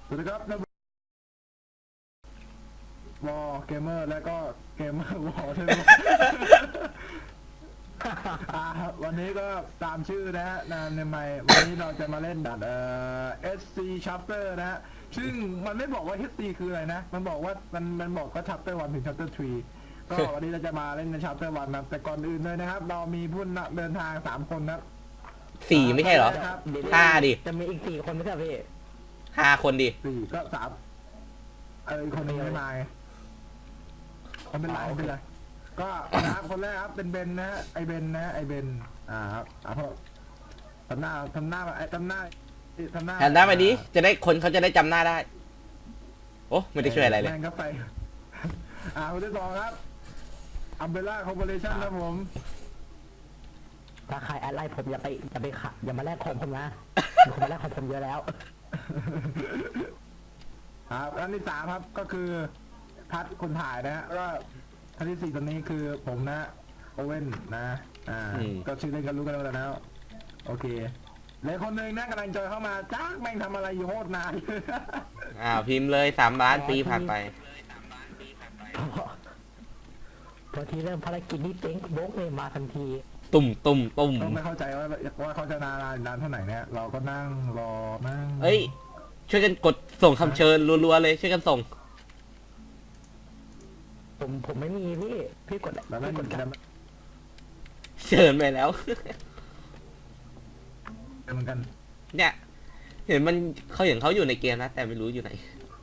สวัสดีครับวอลเกมเมอร์และก็เกมเมอร์วอลใช่ไหม วันนี้ก็ตามชื่อนะฮะนามในไมค์วันนี้เราจะมาเล่นดัดSC Chapter นะฮะซึ่งมันไม่บอกว่า SC คืออะไรนะ มันบอกว่ามันบอกว่า Chapter 1 ถึง Chapter 3 ก็วันนี้เราจะมาเล่นใน Chapter 1 นะแต่ก่อนอื่นเลยนะครับเรามีผู้เดินทาง3 คนนะ 4ไม่ใช่เหรอ 5 ดิจะมีอีก4 คนไม่ใช่พี่ 5 คนดิ 4ก็3อีกคนนึงไม่มาไงไม่เป็นไรไม่เป็นไรก็นะครับคนแรกครับเป็นเบนนะฮะไอเบนนะฮะไอเบนครับเพราะทำหน้าทำหน้าไปดิจะได้คนเขาจะได้จำหน้าได้ โอ้ไม่ได้ช่วยอะไรเลยแม่งก็ไปคนที่ 2ครับอัมเบล่าคอร์ปอเรชั่นครับผมถ้าใครแอดไลน์ผมอย่าไปขัดอย่ามาแลกของผมนะมีคนมาแลกของผมเยอะแล้วครับอันที่ 3ครับก็คือพัดคนถ่ายนะฮะก็ท่านที่ 4ตอนนี้คือผมนะโอเว่นนะก็ชื่อเล่นกันรู้กันแล้วโอเคเลยคนหนึ่งนะกำลังจอยเข้ามาจ้าแม่งทำอะไรอยู่โคตรนานพิมพ์เลย3 ล้านปีผ่านไปพอทีเริ่มภารกิจนี้เจ๊งโบ๊กเลยมาทันทีตุ่มก็ไม่เข้าใจว่าเขาจะนานเท่าไหร่เนี่ยเราก็นั่งรอนั่งเอ้ย ช่วยกันกดส่งคำเชิญรัวๆเลย ช่วยกันส่งผมไม่มีพี่กดแล้วนั่งกดกันเชิญไปแล้วเหมือนกันเนี่ย เห็นเขาอยู่ในเกมนะ แต่ไม่รู้อยู่ไหน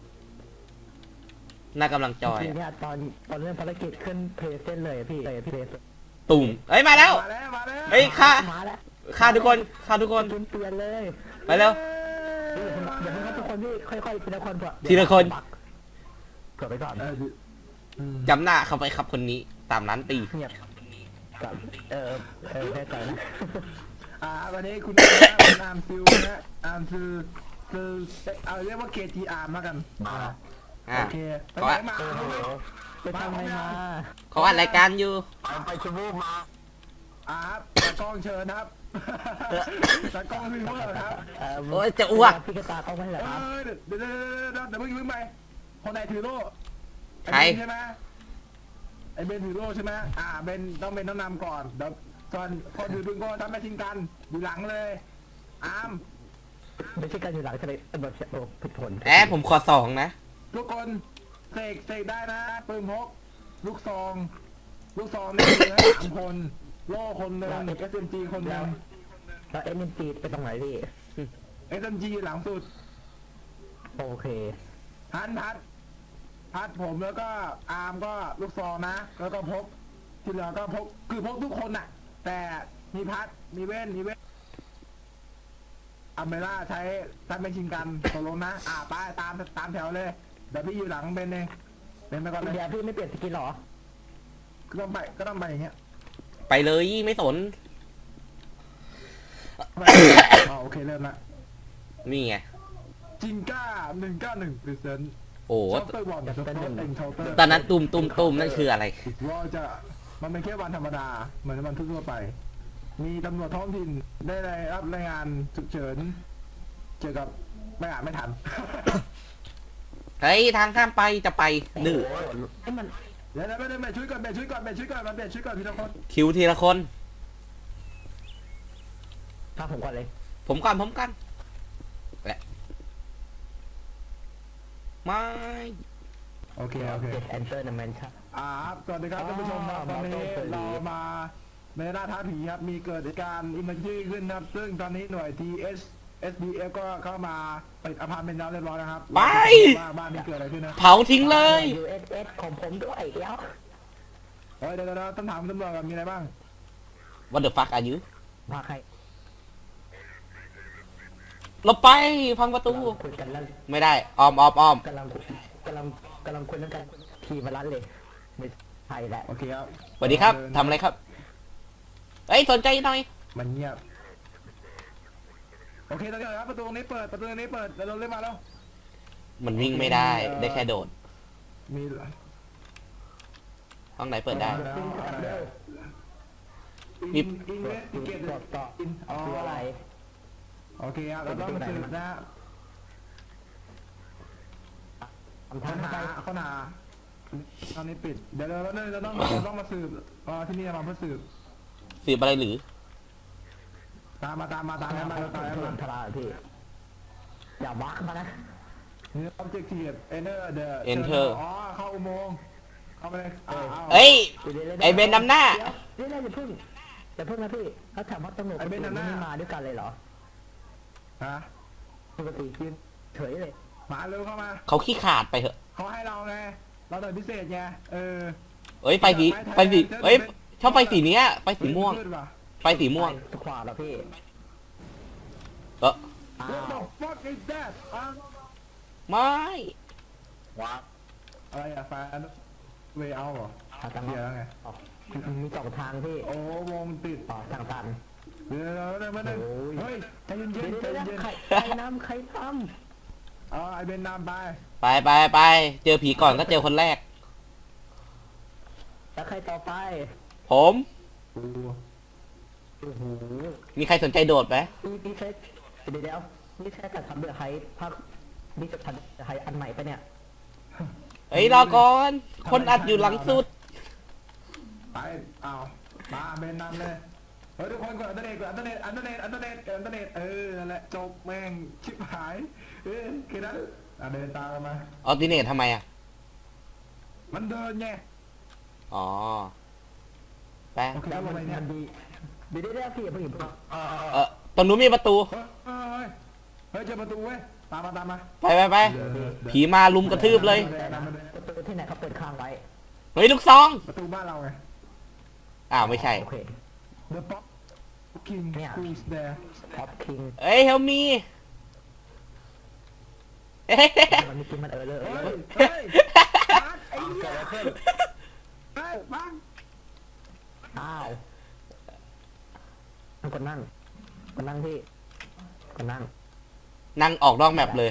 น่ากำลังจอยทีเนี่ยตอนเริ่มภารกิจขึ้นเพลย์เส้นเลยพี่เพลย์ตุ่มเอ้ยมาแล้วมาแล้วเฮ้ยฆ่ามาแล้วฆ่าทุกคนเปลี่ยนเลยไปเร็วอย่าเพิ่งให้ทุกคนพี่ค่อยๆทีละคนก่อนทีละคนเกิดไปก่อนจำหน้าเขาไปครับคนนี้3 ล้านปีเงียบกับแน่ใจนะวันนี้คุณอาร์มซิลนะอาร์มซิลคือเอาเรียกว่า KT อาร์มแล้วกันโอเคไปไหนมาโอ้โหไปทำอะไรมาเขาอัดรายการอยู่ไปชมูกมาครับตากล้องเชิญครับตากล้องรีเวอร์ครับโอ้ยจะอ้วกพี่กระตาเขาไม่เหรอครับเดี๋ยวเพิ่งไปคนไหนถือโล่ใครใช่ไหมไอเบนถือโล่ใช่ไหมเบนต้องนำก่อนเดี๋ยวก่อนคนถือปืนก็ทำไม่ทิ้งกันอยู่หลังเลยอาร์มไม่ใช่การอยู่หลังใช่ไหมแบบโอ้ผิดผลผมขอ2 นะทุกคนเสกได้นะปืนพกลูกซองนี่คือให้3 คนโล่คนหนึ่ง SMG คนหนึ่งแล้วเอ็มจีไปตรงไหนพี่ SMG หลังสุดโอเคพัดผมแล้วก็อาร์มก็ลูกซองนะแล้วก็พกที่เหลือก็พกคือพกทุกคนน่ะ แต่มีพัดมีเว้นอัมเบล่าใช้เป็นชิงกันตกลงนะไปตามแถวเลยเดี๋ยวพี่อยู่หลังเบนเองเบนไปก่อนเลยเดี๋ยวพี่ไม่เปลี่ยนสกินหรอก็ต้องไปอย่างเงี้ยไปเลยไม่สนโอเคเริ่มละนี่ไงจิงก้า191% โอ้ช็อปเตอร์บอลช็อปเตอร์เอ็นช็อปเตอร์ตอนนั้นตุ่มนั่นคืออะไรว่ามันเป็นแค่วันธรรมดาเหมือนวันทั่วไปมีตำรวจท้องถิ่นได้รับรายงานฉุกเฉินเกี่ยวกับไม่ทันเฮ้ยทางข้ามไปจะไปดื้อไอ้มันเดี๋ยวไม่ได้ช่วยก่อนมาเปลี่ยนชุดก่อนทีละคนคิวทีละคนพาผมก่อนเลยผมกันแหละไม่โอเคเอนเตอร์นแมนชั่นครับสวัสดีครับท่านผู้ชมครับตอนนี้เรามาในหน้าท้าผีครับมีเกิดเหตุการณ์อิมเมอร์จี้ขึ้นครับซึ่งตอนนี้หน่วย SDF ก็เข้ามาปิดอพาร์ตเมนต์แล้วเรียบร้อยนะครับว่าบ้านนี้เกิดอะไรขึ้นนะเผาทิ้งเลย USS ของผมด้วยเดี๋ยวเดี๋ยวต้องถามตำรวจก่อนมีอะไรบ้าง What the fuck are you มาใครลบไปพังประตูคุยกันแล้วไม่ได้อ้อมกำลังคุยเรื่องกันทีมาลันเลยไม่ใช่แหละโอเคครับสวัสดีครับทำอะไรครับเอ้ยสนใจหน่อยมันเงียบโอเคตอนนี้ครับประตูนี้เปิดเราเล่นมาแล้วมันวิ่งไม่ได้ได้แค่โดดมีห้องไหนเปิดได้อินเวสติเกตต่อคืออะไรโอเคครับเราต้องสืบนะทางหาเขาหนาตอนนี้ปิดเดี๋ยวเราต้องมาสืบที่นี่มาเพื่อสืบสืบอะไรหรือตามมาทางมาทลาพี่อย่าวักมานะนี่ objective enter the อ๋อเข้าอุโมงค์เข้าไปเลยเอ้ย ไอ้เบนนำหน้าเดี๋ยวอย่าพึ่งนะพี่เขาถามว่าตำรวจไม่มาด้วยกันเลยเหรอฮะปกติยืนเฉยเลยมาเร็วเข้ามาเขาขี้ขาดไปเถอะเขาให้เราไงเราหน่วยพิเศษไงเอ้ยไฟสีเอ้ยชอบไฟสีเนี้ยไฟสีม่วง ไฟสีม่วงทุกขวาแล้วพี่ What the fuck is that ไม่ว้าอะไรอะแฟนเวเอาเหรอทางเดี๋ยวไงมีสองทางพี่โอ้วงติดทางตันเดี๋ยวมาหนึ่งเฮ้ยใจเย็นใจเย็นใครนำใครทไอเบนนำไปไปเจอผีก่อนก็เจอคนแรกำแล้วใครต่อไปผมโอ้โหมีใครสนใจโดดไหมนี่ใช่เดี๋ยวนี่ใช่การทำเดือดไฮภาคนี่จะทำไฮอันใหม่ปะเนี่ยเฮ้ยรอก่อน คนอัดอยู่หลังสุดไปมาเบนนำเลยเฮ้ยทุกคนกดอันเดอร์เน็ตนั่นแหละจบแม่งชิบหายแค่นั้นเดินตามมาออติเนตทำไมอ่ะมันเดินไงอ๋อ ไปโอเคลงไปเนี่ยมันดีเดี๋ยวพี่ผู้หญิงตรงนู้นมีประตูเฮ้ยเจอประตูเว้ยตามมาไป ผีมาลุมกระทืบเลยประตูที่ไหนเขาเปิดค้างไว้เฮ้ยลูกซองประตูบ้านเราไงไม่ใช่โอเค The Pop King who's there ท็อปคิงเอ้ยเฮลมีมันมีกินมันเลยเฮ้ยบังไอ้เหี้ยเฮ้ยบังอ้าวกดนั่งพี่กดนั่งนั่งออกนอกแมปเลย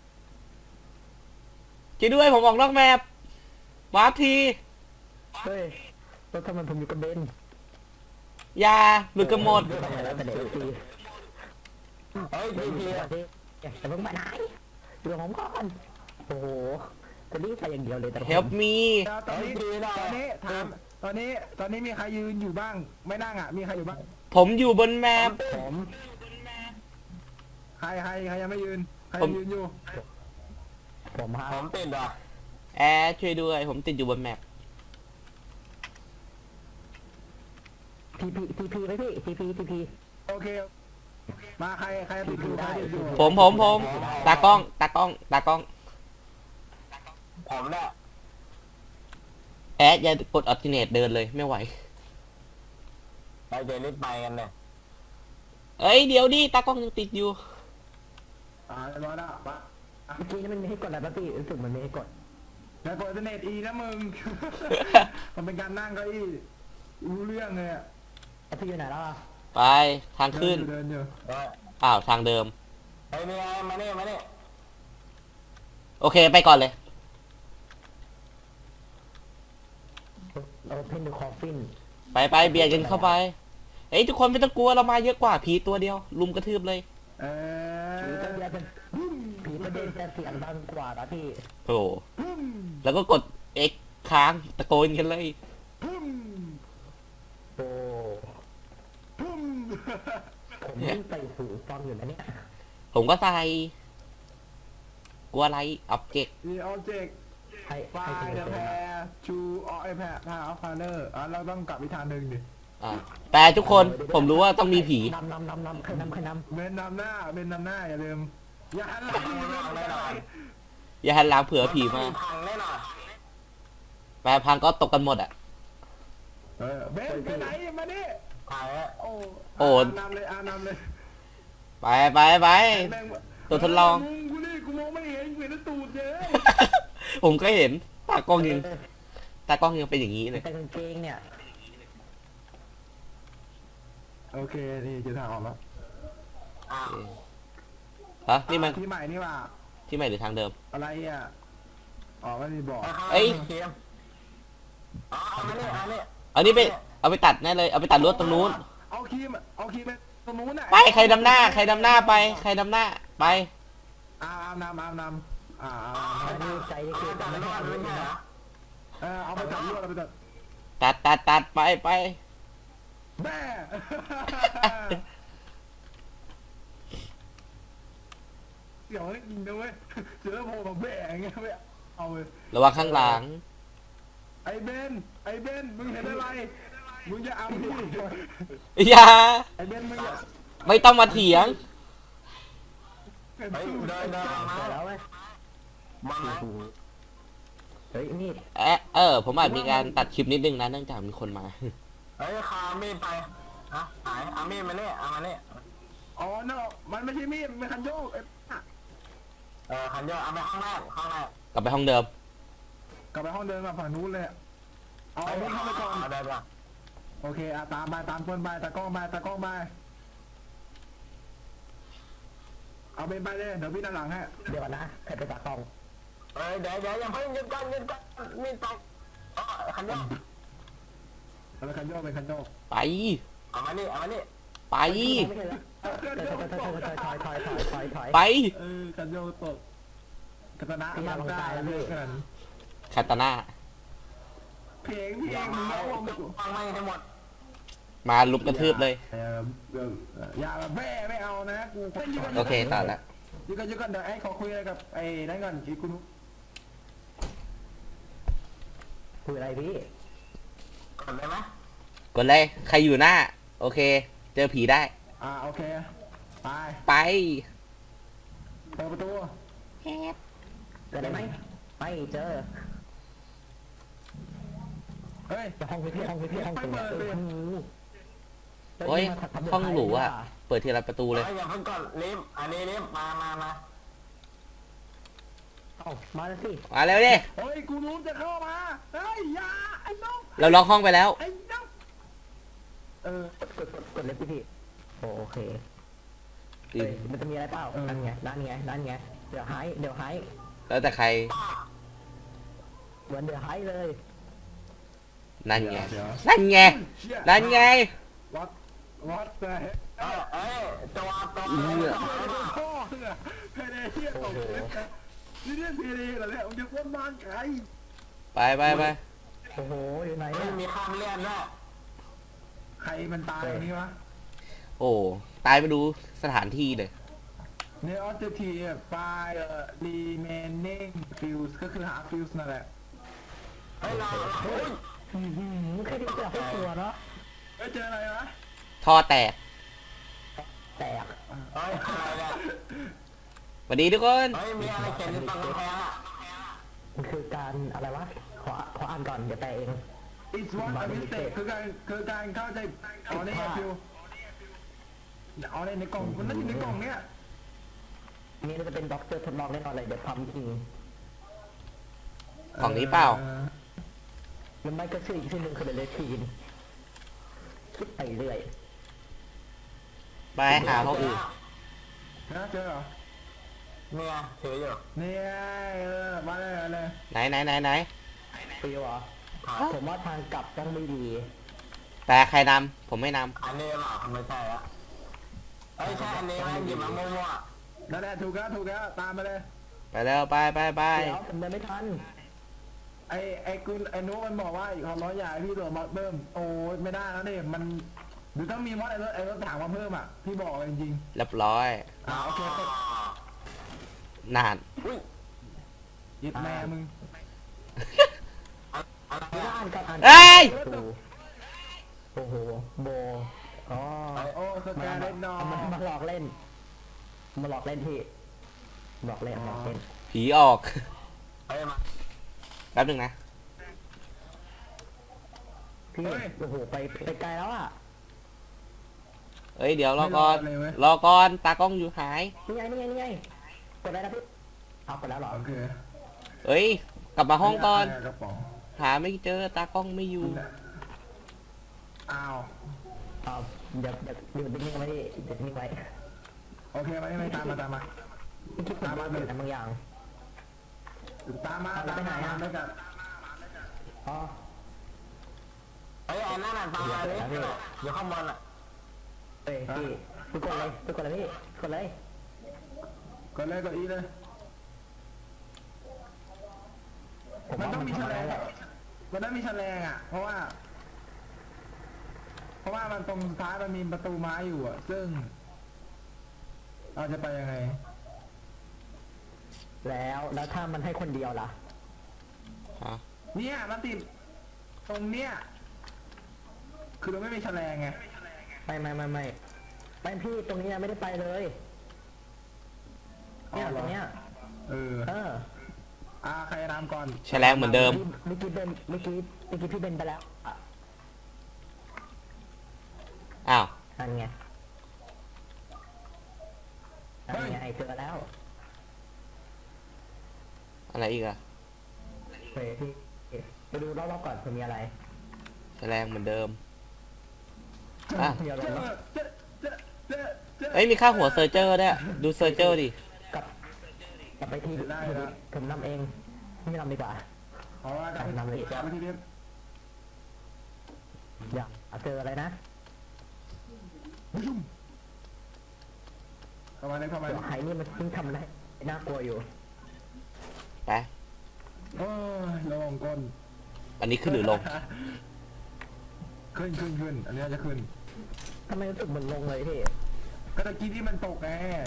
ช่วยด้วยผมออกนอกแมปวาร์ปทีเฮ้ยแล้วทำไมผมอยู่กับเบนยาหลุดกันหมดแล้วแต่เด็กทีเฮ้ยพี่อย่าเพิ่งไปไหนเรื่องผมก่อนโอ้โหจะรีบไปอย่างเดียวเลยแต่ Help me ตอนนี้มีใครยืนอยู่บ้างไม่นั่งอ่ะมีใครอยู่บ้างผมอยู่บนแมปผมใครยังไม่ยืนใครยืนอยู่ผมเป็นเหรอแอร์ช่วยด้วย ผมติดอยู่บนแมปทีพีไหมพี่ทีพีโอเคมาใครติดอยู่ใครติดอยู่ผมตากล้องผมแหละแอดอย่ากดออติเนตเดินเลยไม่ไหวไปเจรีบไปกันเลยเอ้ยเดี๋ยวดิตากล้องยังติดอยู่เรียบร้อยแล้วปะเมื่อกี้นี่มันไม่ให้กดอะไรป่ะพี่รู้สึกมันไม่ให้กดแล้วกดอินเทอร์เน็ตอีนะมึง มันเป็นการนั่งเก้าอี้รู้เรื่องเลยอ่ะแล้วพี่อยู่ไหนแล้วไปทางขึ้นเดินอยู่ทางเดิมเฮ้ยมาเนี่ยโอเคไปก่อนเลยเราเพ่นดูคอฟฟินไปเบียดกันเข้าไปเอ้ยทุกคนไม่ต้องกลัวเรามาเยอะกว่าผีตัวเดียว ลุมกระทืบเลยผีตัวเดียวเป็นผีประเด็นจะเสียงดังกว่านะพี่โอ้แล้วก็กด X ค้างตะโกนกันเลยโอ้ผมยิ่งใส่หูฟังอยู่นะเนี่ยผมก็ใส่กลัวอะไรออบเจกต์มีออบเจกต์ให้ไฟเดอะแพร์ชูอไอแพร์พาออฟพาเลอร์เราต้องกลับอีกทางหนึ่งดิแต่ทุกคนผมรู้ว่าต้องมีผีนำใครนำเบนนำหน้าอย่าลืมอย่าหันหลังอย่าหันหลังเผื่อผีมาแปลพังก็ตกกันหมดอ่ะเบนไปไหนมาดิโอ้นำเลยไปตัวทดลองกูมองไม่เห็นเห็นตูดเยอะผมก็เห็นตากล้องยังเป็นอย่างนี้เลยแต่กางเกงเนี่ยโอเคนี่เจอทางออกแล้วฮะนี่มันที่ใหม่นี่ว่าที่ใหม่หรือทางเดิมอะไรอ่ะไม่มีบอกเอ้ยอันนี้ไปเอาไปตัดแน่เลยเอาไปตัดรถตรงนู้นเอาครีมไปตรงนู้นน่ะไปใครดำหน้าไปใครดำหน้าไปนำอันนี้ใจนี่คือการไม่ให้อันนี้นะเอาไปตัดลวดเอาไปตัดตัดไปแม่เดี๋ยวให้กินนะเว้ยเจอโผล่มาแบ่งเงี้ยไม่เอาเลยระวังข้างหลังไอ้เบนมึงเห็นอะไรมึงจะเอาพี่อย่าไอ้เบนมึงอย่าไม่ต้องมาเถียงเห็นเฮ้ยตู้เดินมาแล้วไหมมาไหมเฮ้ยนี่ผมอาจมีการตัดคลิปนิดนึงนะเนื่องจากมีคนมาเฮ้ยคามีดไปฮะหายเอามีดมาเนี่ยเอามาเนี่ยอ๋อเนาะมันไม่ใช่มีดมันคันโยกไอ้คันเยอะเอาไปข้างแรกกลับไปห้องเดิมกลับไปห้องเดินมาฝั่งนู้นเลยเอามีดเข้าไปก่อนเดินก่อนโอเคตามคนไปตากล้องไปเอาเป็นไปเลยเดี๋ยวพี่ด้านหลังฮะเดี๋ยวนะใครไปตากล้องเฮ้ยเดี๋ยวอย่าเพิ่งหยุดก่อนมีดตกคันเยอะแล้วคันโยกเป็นคันโยกไปเอามานี่ไปไม่ใช่แล้วถอยไปคันโยกตกกัตนะร่างกายเลือกกันคาตาน่าเพลงอย่ามึมางร้องมึงฟังไม่ให้หมดมาลุมกระทืบเลยอย่าแบบแม่ไม่เอานะกูโอเคตัดละยืนกันเดี๋ยวไอ้ขอคุยอะไรกับไอ้นั่นก่อนอีคุณคุยอะไรพี่กดเลยไหมกดเลย ใครอยู่หน้า โอเค เจอผีได้โอเคไปไปเปิดประตูเจอได้ไหมไม่เจอเฮ้ยห้องพี่ห้องตรงนี้โอ้ย ห้องหรูอ่ะ เปิดทีละประตูเลยอย่าเพิ่งกดลิฟต์อันนี้ลิฟต์มาเอ้ามาแล้วสิมาเร็วดิเฮ้ยกูรู้จะเข้ามาเฮ้ยอย่าไอ้น้องเราล็อกห้องไปแล้วไอ้น้องกดเล็บพี่โอเคมันจะมีอะไรเปล่านั่นไงเดี๋ยวหายแล้วแต่ใครเหมือนเดี๋ยวหายเลยนั่นไงเดี๋ยวนั่นไง นั่นไงวัดแต่เอ้ยตัวพ่อเนี่ยเพเดเทียตกเลยนี่เรียกเพเดเหรอเนี่ยมึงจะพ้นบ้านใครไปโอ้โหอยู่ไหนไม่เนี่ยมีข้ามเลื่อนด้วยใครมันตายตรงนี้วะโอ้ ตายไปดูสถานที่เลยเนี่ยออเจทีไฟremaining fuse ก็คือหา fuse นั่นแหละเฮ้ยเราแค่นี้ก็ให้ตัวเนาะเจออะไรวะท่อแตกแตกเฮ้ยอะไรเนี่ยสวัสดีทุกคนเฮ้ยมีอะไรเขียนอยู่ตรงกำแพงอ่ะมันคือการอะไรวะขออ่านก่อนเดี๋ยวแปลเอง it's what a mistake คือการเข้าใจอ๋อนี่ไงฟิวอ๋อในกล่องมันน่าอยู่ในกล่องเนี้ยนี่จะเป็นด็อกเตอร์ทดลองแน่นอนเลยเดี๋ยวทำจริงของนี้เปล่ามันไม่ก็ชื่ออีกชื่อหนึ่งคือเดลทีนคิดไปเรื่อยไปหาห้องอื่นนะเจอเหรอเนี่ยถืออยู่เนี่ยมาเลยไหนฟิวเหรอผมว่าทางกลับต้องไม่ดีแต่ใครนำผมไม่นอันนี้เปล่าไม่ใช่ละเฮ้ยใช่อันนี้ไหมหยิบมามั่วนั่นแหละถูกแล้วตามมาเลยำไปแล้วไปเดี๋ยวผมเดินไม่ทันไอ้คุณไอ้นุมันบอกว่าอีก100อย่างพี่ตัวมาเพิ่มโอ้ไม่ได้แล้วนี่มันหรือต้องมีมอดไอ้รถถังมาเพิ่มอ่ะพี่บอกเลยจริงเรียบร้อยโอเคนานอุ้ยยึดแม่มึงไม่ได้อ่านกับอ่านเอ้ยโอ้โหโบอ๋อโอ้สแกนเล่นนอมาหลอกเล่นพี่หลอกเล่นผีออกเฮ้ยมาแป๊บนึงนะพี่โอ้โหไปไกลแล้วอ่ะเอ้ยเดี๋ยวรอก่อนตากล้องอยู่หายนี่ไงกดได้แล้วพี่เอากดแล้วเหรอโอเคเอ้ย กลับมาห้องก่อนกระป๋องหาไม่เจอตากล้องไม่อยู่อ้าวเอาเดี๋ยวอยู่นิ่งๆไว้ดิเดี๋ยวนิ่งไว้โอเคไม่ตามมาตามมาเลยบางอย่างตามมาด้วยกันอ๋อเฮ้ยอันนั้นตามมาดิอยู่ข้างบนอ่ะเอ้ยพี่กดเลยพี่กดเลยก็เลยก็อีเลยผมมันว่าต้องมีแฉลงแหละมันต้องมีแฉลงอ่ะ เพราะว่ามันตรงสุดท้ายมันมีประตูไม้อยู่อ่ะ ซึ่ง เราจะไปยังไงแล้วถ้ามันให้คนเดียวล่ะฮะเนี่ยมันติดตรงเนี้ยคือเราไม่มีแฉลงไงไม่พี่ตรงนี้ไม่ได้ไปเลยเนี่ยอ๋อเหรอตรงเนี้ยเออ ใครนำก่อนแฉลงเหมือนเดิมเมื่อกี้พี่เบนไปแล้วอ่ะอ้าวนั่นไงเจอแล้วอะไรอีกอะเฮ้ยพี่ไปดูรอบๆก่อนเผื่อมีอะไรแฉลงเหมือนเดิม อ่ะเดี๋ยวเจอเนาะเจอเจอเจอเจอเอ้ยมีค่าหัวเซอร์เจอร์ด้วยดูเซอร์เจอร์ดิกลับไปที่ได้ครับผมนำเองไม่นำดีกว่าเพราะว่ากลับไปนำเลยกลับไปที่เดิมอย่าเจออะไรนะเข้ามาเลยเข้ามาเดี๋ยวไฮนี่มันเพิ่งทำได้น่ากลัวอยู่ไปโอ้ยลงก้นอันนี้ขึ้นหรือลงขึ้นอันนี้จะขึ้นทำไมรู้สึกเหมือนลงเลยพี่ก็ตะกี้ที่มันตกไง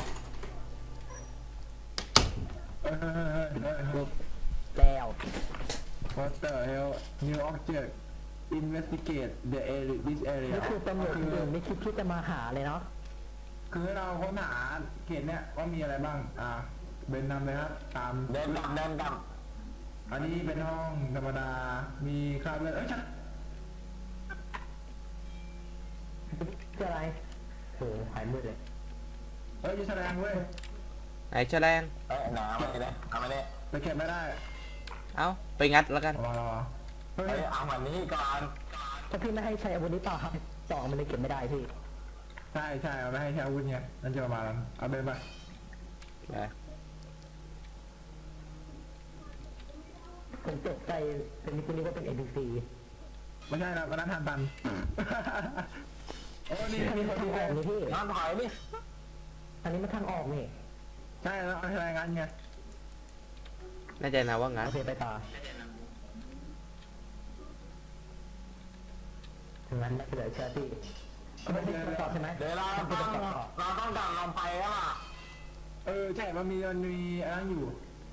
เฮ้ยแล้ว What the hell new object investigate the area this area นี่คือตำรวจคนอื่นไม่คิดที่จะมาหาเลยเนาะคือเราค้นหาเขตเนี้ยว่ามีอะไรบ้าง เบนนำเลยครับ ตามเดินกลับอันนี้เป็นห้องธรรมดา มีคราบเลือดเอ้ยฉันคืออะไรโอ้หายมืดเลยเอ้ยจะแสดงเว้ยไหนแฉลงหนามาเลยเอามาเนี่ยแต่เก็บไม่ได้เอ้า ไปงัดแล้วกันรอเฮ้ยเอาแบบนี้ก่อนถ้าพี่ไม่ให้ใช้อาวุธนี้ต่อครับต่อมันเลยเก็บไม่ได้พี่ใช่เอาไม่ให้ใช้อาวุธเนี่ยนั่นจะประมาณนั้นเอาเบนไปไปผมตกใจเป็นคุณนึกว่าเป็น NPC ไม่ใช่นะวันนั้นทันตัน โอ้นี่อันนี้มันทางออกนี่พี่นอนถอยดิอันนี้มันทางออกนี่ใช่แล้วเอาอะไรงั้นไงแน่ใจนะว่างั้นโอเคไปต่อถึงนั้นเหลือเชื่อพี่ไม่ได้ตอบใช่ไหมเดี๋ยวเราต้องกลับลงไปแล้วอ่ะใช่มันมีอันนั้นอยู่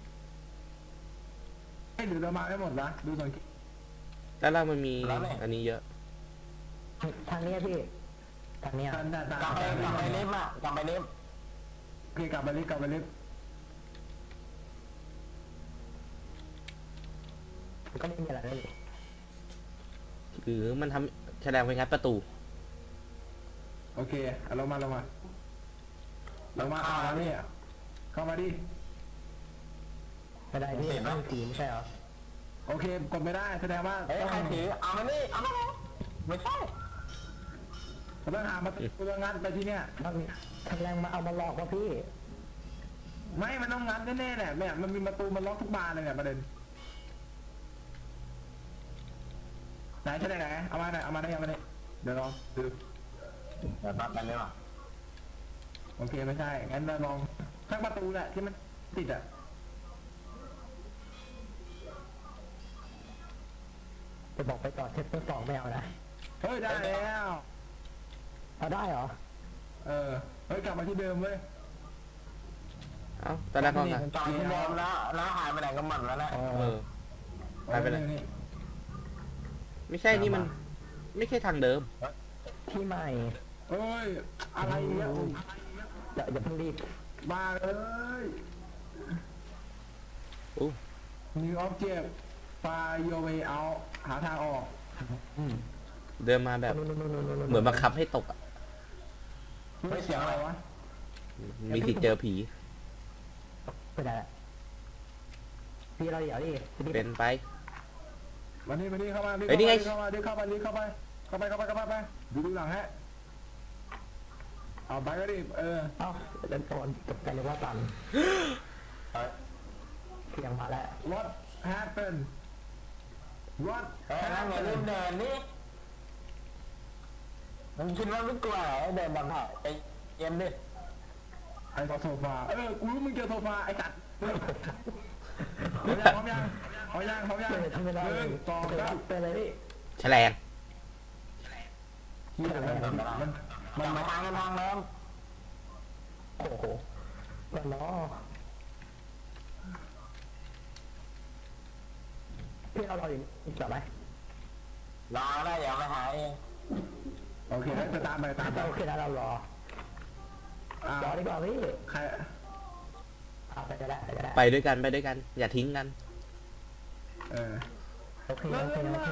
ให้หรือเรามาไม่หมดนะดูสังเกตแล้วเรามันมีอันนี้เยอะทางนี้พี่ทางนี้ทันทันกลับไปลิฟต์อ่ะกลับไปลิฟต์โอเคกลับไปลิฟต์ก็ไม่มีอะไรเลยหรือมันทำแฉลงไปงัดประตูโอเคเอาลงมาเข้ามาแล้วเนี่ยเข้ามาดิไม่ได้พี่ต้องสีไม่ใช่เหรอโอเคกดไม่ได้แสดงว่าเฮ้ยต้องใครถือเอามานี่เอามาไม่ใช่ต้องหามาตัวงัดไปที่เนี่ยต้องทางแรงมาเอามาหลอกว่าพี่ไม่มันต้องงัดแน่ๆแหละเนี่ยมันมีประตูมันล็อกทุกบานเลยเนี่ยประเด็นไหนใช่ไหนเอามาได้เดี๋ยวลองดูเดี๋ยวตัดกันเลยว่ะโอเคไม่ใช่ งั้นเราลองทั้งประตูแหละที่มันติดอ่ะจะบอกไปก่อนเทปตัวสองไม่เอานะเฮ้ยได้แล้วเอาได้เหรอเฮ้ยกลับมาที่เดิมเว้ยเอ้าตอนแรกก็งัดจอดที่เดิมแล้วหายไปไหนก็หมดแล้วแหละเออ ไปไปเลยนี่ไม่ใช่นี่มัน ไม่ใช่ทางเดิมที่ใหม่เอ้ยอะไรเนี่ยอย่าเพิ่งรีบมาเลยอู้ New object find your way out หาทางออกเดินมาแบบ เหมือนบังคับให้ตกอ่ะไม่เสียงอะไรวะมีสิทธิ์เจอผีไปได้ละพี่เราเดี๋ยวดิเป็นไปวันนี้เข้ามาเฮ้ยนี่ไงเข้าไปดูหลังฮะเอาไปก็ดิเอ้าเดินโอนตกใจเลยว่าตันเสียงมาแล้ว What happened What นั่งอย่าลืม happened เดินนี่มึงคิดว่าไม่กลัวเหรอเดินแบบไหนไปเย็นดิไอ้โซฟากูรู้มึงเจอโซฟาไอ้สัตว์พร้อมยังยังทำไม่ได้หนึ่งสองสามไปเลยพี่แฉลงเฮียมันมาทางกันทางเดิมโอ้โหก็ล้อพี่เราอยู่อีกต่อไหมรอได้เดี๋ยวไปหาเองโอเคไปตามไปตามไปโอเคนะเรารอรอดีกว่าพี่ใครเอาไปก็ได้ก็ได้ไปด้วยกันไปด้วยกัน อย่าทิ้งกันเออโอเคโอเคโอเค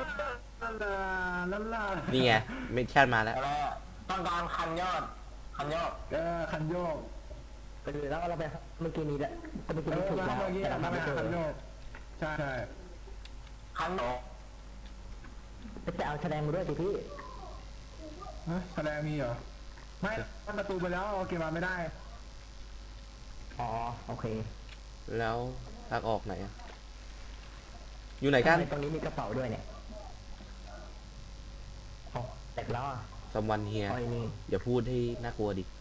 ลานี่ไงมิชชั่นมาแล้วอะไรต้องการคันยอดคันยอดคันโยกไปดูแล้วเราไปเมื่อกี้นี้แหละเมื่อกี้เอนี้อถูกมาแล้วเมื่อกี้แต่มาเราไปไม่หาเจอคันโยกใช่ใช่คันโหนจะเอาแสดงมาด้วยสิพี่แสดงมีเหรอไม่ประตูไปแล้วโอเคมาไม่ได้อ๋อโอเคแล้วทางออกไหนอะอยู่ไหนกันตรงนี้มีกระเป๋าด้วยเนี่ยอ๋อแต่ล้อสมวันเฮียอ้อยนี่อย่าพูดให้น่ากลัวดิ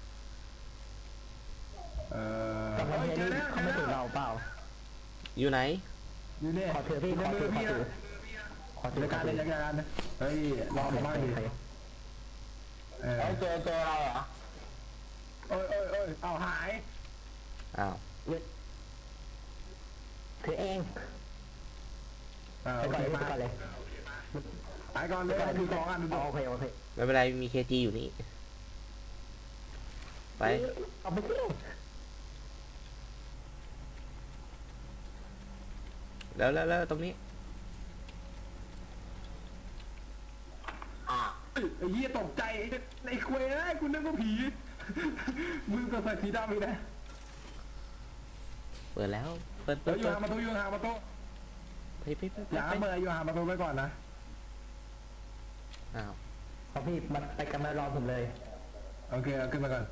แต่ไม่เจใช่อแล้วเขาไม่ถูกเราเปล่าอยู่ไหนอยู่นี่ขอเธอพี่ขอมืเธออขอพี่เธอนะขอเธอรายการเลยรายการเฮ้ยรอผมบ้างดิเออเอ้ยเจออะไรเหรอเอ้ยเอาหายอ้าวคือเองโอไปก่อนเคเลยมาไปก่อนเลยไปก่อนเลยดูสองอันดูโอเคโอเคไม่เป็นไรมีเคจีอยู่นี่ ไปเอาไปสิแล้วตรงนี้อ่ะไอ้เหี้ยตกใจไอ้ควยไอ้คุณนึกว่าผีมึงก็ใส่สีดำอีกนะเปิดแล้ว เปิดเดี๋ยวอยู่ห่างประตูอยู่ห่างประตูไปอย่าเมื่ออยู่ห่างประตูไปก่อนนะอ้าวเอาพี่มันไปกันมารอผมเลยโอเคเอาขึ้นมาก่อน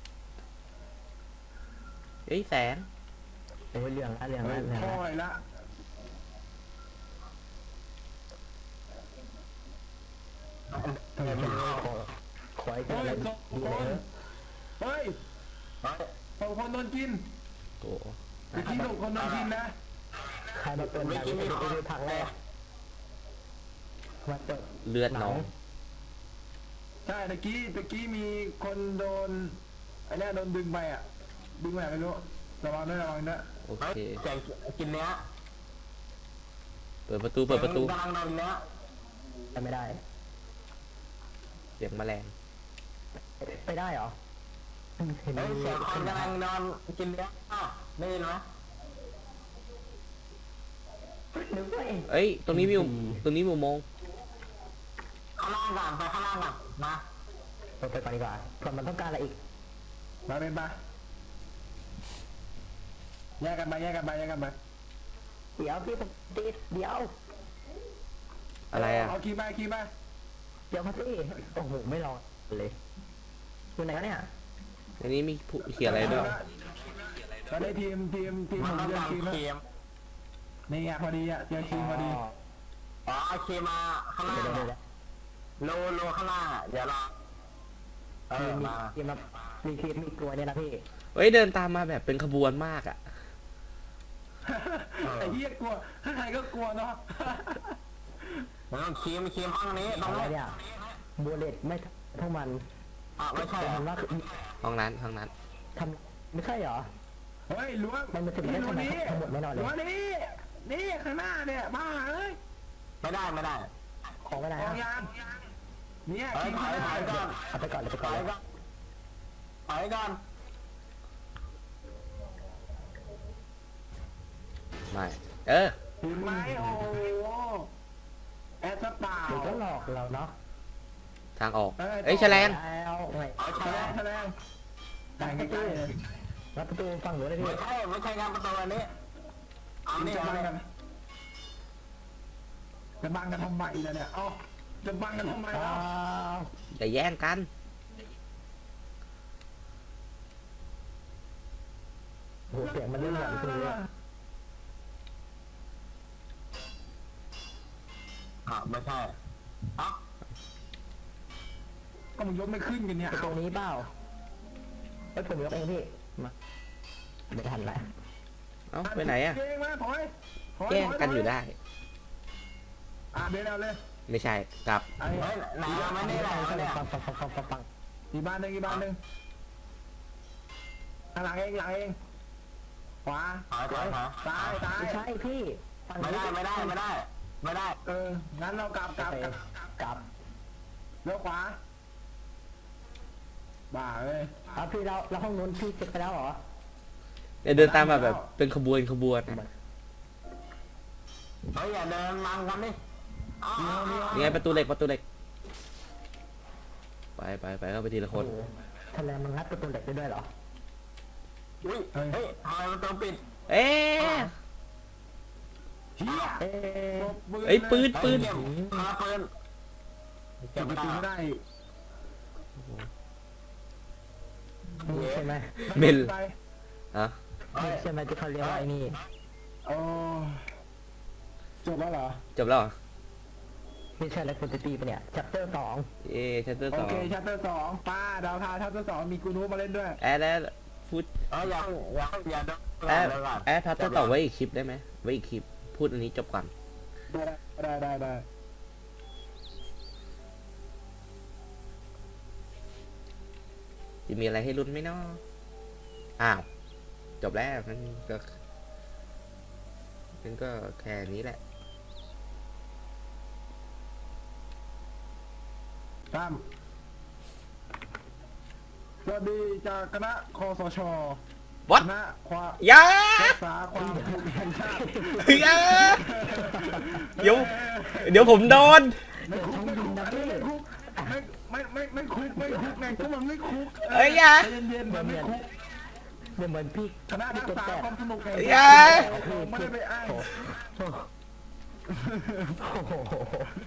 เฮ้ยแสงโอ้ยเรื่องละเรื่องเฮ้ละยเรื่องค่ละอยละขอให้เจเฮ้อย อะไรสองดีคเลยนเฮ้ยเฮ้ยสองคนโดนกินโอ้เมื่อกี้สองคนโดนกินนะใครมาเป็นแบบนี้ไปดูผักแรกมาเจอเลือดน้องใช่ตะกี้มีคนโดนไอ้เนี่ยโดนดึงไปอ่ะดึงไปไหนไม่รู้ระวังด้วยระวังด้วยโอเฮ้ยเคแจกกินเนื้อเปิดประตู เปิดประตูกำลังโดนเนื้อไปไม่ได้เสียงแมลงไปได้เหรอเห็นเฮ้ยเสียงคนกำลังนอนกินเนื้ออ่ะได้ยินไหมนึกว่าเองเอ้ย ตรงนี้มีตรงนี้มีอุโมงค์ข้างล่างก่อนไปข้างล่างก่อนมาเราไปก่อนดีกว่าก่อนมันต้องการอะไรอีกมาเป็นปะแยกกันไปเดี๋ยวพี่ผมติดเดี๋ยวอะไรอะเอาคีย์ไปเดี๋ยวมาสิโอ้โหไม่รอเลยอยู่ไหนวะเนี่ยอันนี้มีผู้เขียนอะไรด้วยตอนนี้ทีมผมต้องเจอการทีมคแล้วรีมนี่ไงพอดีอ่ะเจอทีมพอดีอ๋อเอาครีมมาข้างล่างเดี๋ยวอะโลข้างล่างอ่ะเดี๋ยวเราเออมีมาครีมมีครีมมีกลวยเนี่ยนะพี่เฮ้ย เดินตามมาแบบเป็นขบวนมากอะไอ้เหี้ยกลัวใครก็กลัวเนาะแล้วครีมห้องนี้ตรงอะไรนี้เนี่ยบัวเลตไม่ทั้งมันอ่ะไม่ใช่แต่เหรอมันว่าห้องนั้นทำไม่ใช่เหรอเฮ้ยล้วงมันมาถึงได้ทำไมทั้งหมดไม่นอนเลยล้วงนี่ข้างหน้าเนี่ยบ้าเอ้ยไม่ได้ของไม่ได้กองนะยางเนี่ยเฮ้ยทีมถอยข้างหน้าก่อนเอาไปก่อนเลยไปถก่อนอยเลยก่อนถอยก่อนไม่ เออถึงไหมโอ้โหแอดสปาเดี๋ยวก็หลอกเราเนาะทางออก เอ้ยแฉลงแล้วไงเอาแฉใช่ลงแต่งใกล้ๆเลยรับประตูฝั่งหนูเลยพี่ไม่ใช่งานประตูอันนี้เอามึงนี่จะเอาบังนี่กันจะบังกันทำไมล่ะเนี่ยเอ้าจะบังกันทำไมอ้าล่ะวอย่าแย่งกันโหเสียงมันเริ่มหลอนขึ้นเลยไม่ใช่เอ้าก็มึงยกไม่ขึ้นกันเนี่ยประตูนี้เปล่าเอ้ยผมยกเองพี่มาไม่ทันละเอ้า ไปไหนอะเก่งมาถอยแกล้งกันอยู่ได้อ่ะเบนเอาเลยไม่ใช่ครับไอ้เฮ้ยไหนเราไม่ได้หรอกเนี่ยปังอีกบ้านหนึ่งหลังเองขวาหาตายไม่ใช่พี่ฝั่งไม่นี้ได้งั้นเรากลับกลับเลี้ยวขวาบ้าเอ้ยเอาพี่เราห้องนู้นพี่เช็คไปแล้วเหรอเดี๋ยวเดินตามมาแบบเป็นขบวนนะเฮ้ยอย่าเดินมังกันดิยังไงประตูเหล็กไปเข้าไปทีละคนโอ้โหทะเลมันงัดประตูเหล็กได้ด้วยเหรออุ้ยเฮ้ยทำไมประตูปิดเอ๊ะเฮียเอ๊ะเอ้ยปืนเก็บมาปืนเก็บประตูไม่ได้นี่ใช่ไหมเมนไปอ่ะนี่ใช่ไหมที่เขาเรียกว่าไอ้นี่โอ้จบแล้วเหรอจบแล้วเหรอไม่ใช่แล้วคุณจะตีปะเนี่ย chapter 2 เอ๊ชัตเตอร์โอสองเคชัปเตอร์2ป้าดาวพาชัปเตอร์2มีกูนูมาเล่นด้วยแอดพูดอย่าเดินแอดชัตเตอร์ต่อไว้อีกคลิปได้ไหมไว้อีกคลิปพูดอันนี้จบก่อนได้จะมีอะไรให้ลุ้นไหมเนาะอ้าวจบแล้วมันก็แค่นี้แหละตามสวัสดีจากคณะคสช What? คณะความอย่ารักษาความถูกแห่งชาติอย่าเดี๋ยวผมโดนไม่คุกไม่คุกไงก็มันไม่คุกเอ้ยอย่าใจเย็นๆมันไม่คุกเหมือนพี่คณะรักษาความสนุกแห่งอย่าไม่ได้ไปอ้างโอ้โห